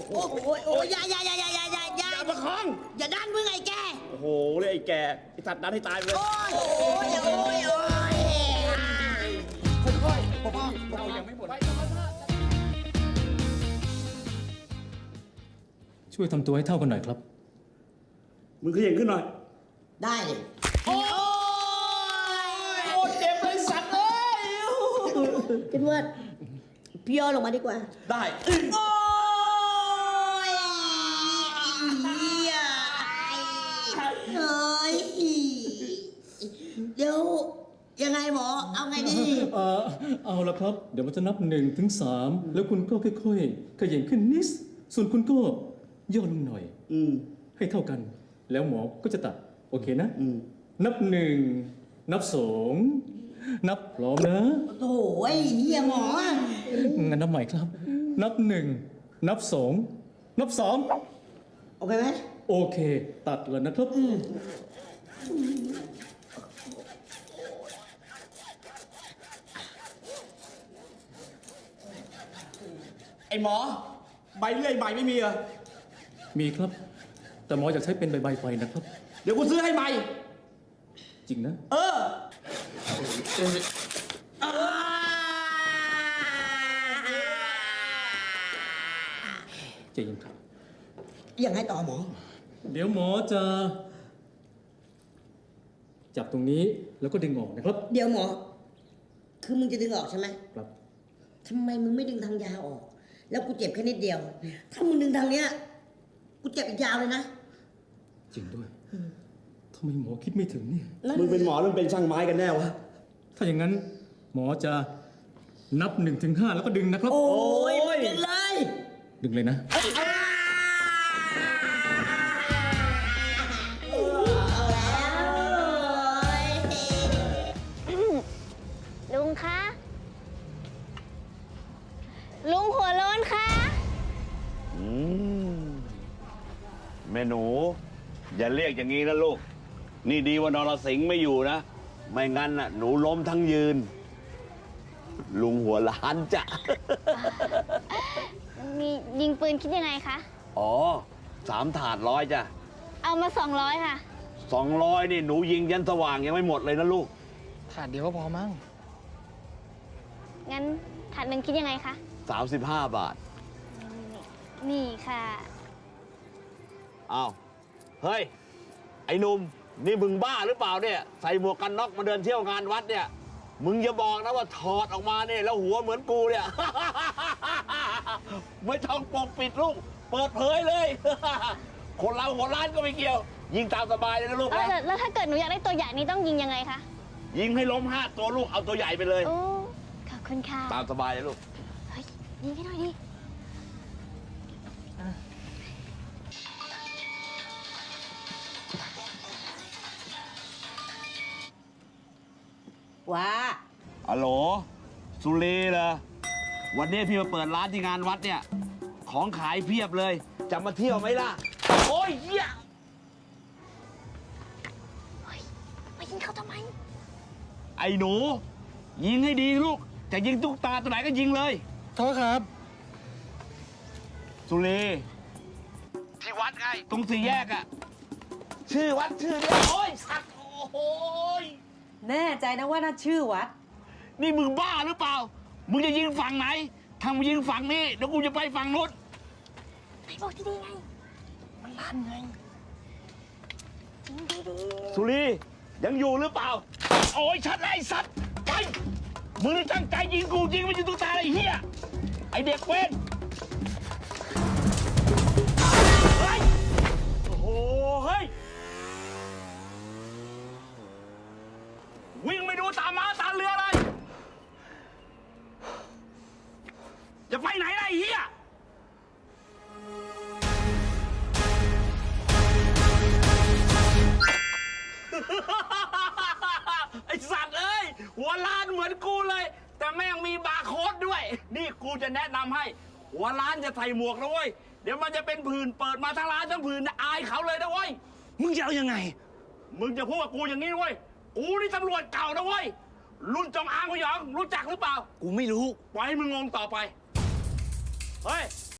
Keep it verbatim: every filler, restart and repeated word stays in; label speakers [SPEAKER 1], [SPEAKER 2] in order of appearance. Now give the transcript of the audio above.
[SPEAKER 1] โอ้โหโอ้ยอย่าอย่าอย่าอย่าอย่าอย่าอย่า
[SPEAKER 2] อย่าประคอง
[SPEAKER 1] อย่าดันมึงไอ้แก
[SPEAKER 2] โอ้โหเลยไอ้แกไอ้สัตว์นั้นให้ตายไปเลย
[SPEAKER 1] โอ้ยโอ้ยโอ้ยโอ้ย
[SPEAKER 2] ค่อยๆพ่อเรายังไม่หมด
[SPEAKER 3] ช่วยทำตัวให้เท่ากันหน่อยครับ
[SPEAKER 2] มึงขยันขึ้นหน่อย
[SPEAKER 1] ได้ดิโอ้ย
[SPEAKER 2] โอ้เจ็บเลยสัตว์เอ้ย
[SPEAKER 1] พี่เพื่อนพี่ย่อลงมาดีกว่า
[SPEAKER 2] ได้
[SPEAKER 1] โอ้ยเฮียเฮ้ยเดี๋ยวยังไงหมอเอาไงดี
[SPEAKER 3] เออเอาละครับ เดี๋ยวมันจะนับหนึ่งถึงสามแล้วคุณก็ค่อยๆขยันขึ้นนิดส่วนคุณก็ย่อลงหน่อย
[SPEAKER 2] อืม
[SPEAKER 3] ให้เท่ากัน แล้วหมอก็จะตัด โอเคนะ
[SPEAKER 2] อืม
[SPEAKER 3] นับหนึ่งนับสองนับพร้อมนะ
[SPEAKER 1] โถ่ไอ้เฮียหมอ
[SPEAKER 3] งั้นนับใหม่ครับ นับหนึ่งนับสองนับสาม
[SPEAKER 1] โอเคไหม
[SPEAKER 3] โอเค ตัดเลยนะครับ
[SPEAKER 2] ไอ้หมอ ใบเลื่อยใหม่ไม่มีเหรอ
[SPEAKER 3] มีครับ แต่หมออยากใช้เป็นใบๆไปนะครับ
[SPEAKER 2] เดี๋ยวกูซื้อให้ใหม่
[SPEAKER 3] จริงนะ
[SPEAKER 2] เออ
[SPEAKER 3] ใจเย็นครับ
[SPEAKER 1] ยังไงต่อหมอ
[SPEAKER 3] เดี๋ยวหมอจะ จับตรงนี้แล้วก็ดึงออกนะครับ
[SPEAKER 1] เดี๋ยวหมอ คือมึงจะดึงออกใช่ไหม
[SPEAKER 3] ครับ
[SPEAKER 1] ทำไมมึงไม่ดึงทางยาวออก แล้วกูเจ็บแค่นิดเดียว ถ้ามึงดึงทางเนี้ย กูเจ็บอีกยาวเลยนะ
[SPEAKER 3] จริงด้วยทำไมหมอคิดไม่ถึงเนี่ย
[SPEAKER 2] มึงเป็นหมอหรือเป็นช่างไม้กันแน่วะ
[SPEAKER 3] ถ้าอย่างนั้นหมอจะนับหนึ่งถึงห้าแล้วก็ดึงนะครับ
[SPEAKER 1] โอ้ย
[SPEAKER 2] โอ้ย
[SPEAKER 1] ดึงเลย
[SPEAKER 3] ดึงเลยนะ
[SPEAKER 4] ลุงคะ ลุงหัวโล้นคะ
[SPEAKER 5] อืมแม่หนู อย่าเรียกอย่างนี้นะลูก นี่ดีว่านรสิงห์ไม่อยู่นะ ไม่งั้นน่ะหนูล้มทั้งยืน ลุงหัวล้านจ้ะ
[SPEAKER 4] มียิงปืนคิดยังไงคะ
[SPEAKER 5] อ๋อสามถาดร้อยจ้ะ
[SPEAKER 4] เอามาสองร้อยค่ะ
[SPEAKER 5] สองร้อยนี่หนูยิงยันสว่างยังไม่หมดเลยนะลูก
[SPEAKER 6] ถาดเดียวก็พอมั้ง
[SPEAKER 4] งั้นถาดหนึ่งคิดยังไงคะ
[SPEAKER 5] สามสิบห้าบาท
[SPEAKER 4] นี่ค่ะ
[SPEAKER 5] อ้าว เฮ้ย ไอ้หนุ่ม นี่มึงบ้าหรือเปล่าเนี่ย ใส่หมวกกันน็อกมาเดินเที่ยวงานวัดเนี่ย มึงอย่าบอกนะว่าถอดออกมาเนี่ยแล้วหัวเหมือนกูเนี่ย ไม่ต้องปกปิดลูก เปิดเผยเลย คนเราหัวล้านก็ไม่เกี่ยว ยิงตามสบายเลยนะลูก
[SPEAKER 4] เออ
[SPEAKER 5] นะ
[SPEAKER 4] แล้วแล้วถ้าเกิดหนูอยากได้ตัวใหญ่นี่ต้องยิงยังไงคะ
[SPEAKER 5] ยิงให้ล้มห้าตัวลูก เอาตัวใหญ่ไปเลย
[SPEAKER 4] โอ้ ขอบคุณค่ะ
[SPEAKER 5] ตามสบายเลยลูก
[SPEAKER 4] เฮ้ย ยิงให้หน่อยดิ
[SPEAKER 1] ว้า
[SPEAKER 5] ฮัลโหล สุรีเหรอ วันนี้พี่มาเปิดร้านที่งานวัดเนี่ย ของขายเพียบเลย จะมาเที่ยวไหมล่ะ โอ้ยเหี้ย
[SPEAKER 4] เฮ้ยมายิงเขาทำไม
[SPEAKER 5] ไอ้หนู ยิงให้ดีลูก จะยิงตุ๊กตาตัวไหนก็ยิงเลย
[SPEAKER 6] โทษครับ
[SPEAKER 5] สุรีที่วัดไง ตรงสี่แยกอะชื่อวัดชื่อเนี่ยโอ้ยสัตว์โอ้ย
[SPEAKER 7] แน่ใจนะว่าน่าชื่อวัด
[SPEAKER 5] นี่มึงบ้าหรือเปล่า มึงจะยิงฝั่งไหนถ้ามึงยิงฝั่งนี้เดี๋ยวกูจะไปฝั่งนู้น
[SPEAKER 4] ไหนบอกที่ดีไง
[SPEAKER 6] มันลั่นไง
[SPEAKER 4] ยิงดี
[SPEAKER 5] สุรียังอยู่หรือเปล่า โอ้ยชัดเลยไอ้สัตว์ไปมึงนี่ตั้งใจยิงกูยิงไม่ยิงตุ๊กตาไอ้เหี้ยไอ้เด็กเว้นเฮ้ยโอ้โหเฮ้ยวิ่งไม่ดูตามม้าตามเรือเลยจะไปไหนล่ะไอ้เหี้ยไอสัตว์เอ้ยหัวล้านเหมือนกูเลย แต่แม่งมีบาร์โค้ดด้วย นี่กูจะแนะนำให้ หัวล้านจะใส่หมวกนะเว้ย เดี๋ยวมันจะเป็นผื่นเปิดมาทั้งร้านทั้งผื่นนะอายเขาเลยนะเว้ย
[SPEAKER 6] มึงจะเอายังไง
[SPEAKER 5] มึงจะพูดกับกูอย่างนี้เว้ย กูนี่ตำรวจเก่านะเว้ย รุ่นจงอางพยองรู้จักหรือเปล่า
[SPEAKER 6] กูไม่รู้
[SPEAKER 5] ปล่อยให้มึงงงต่อไป เฮ้ย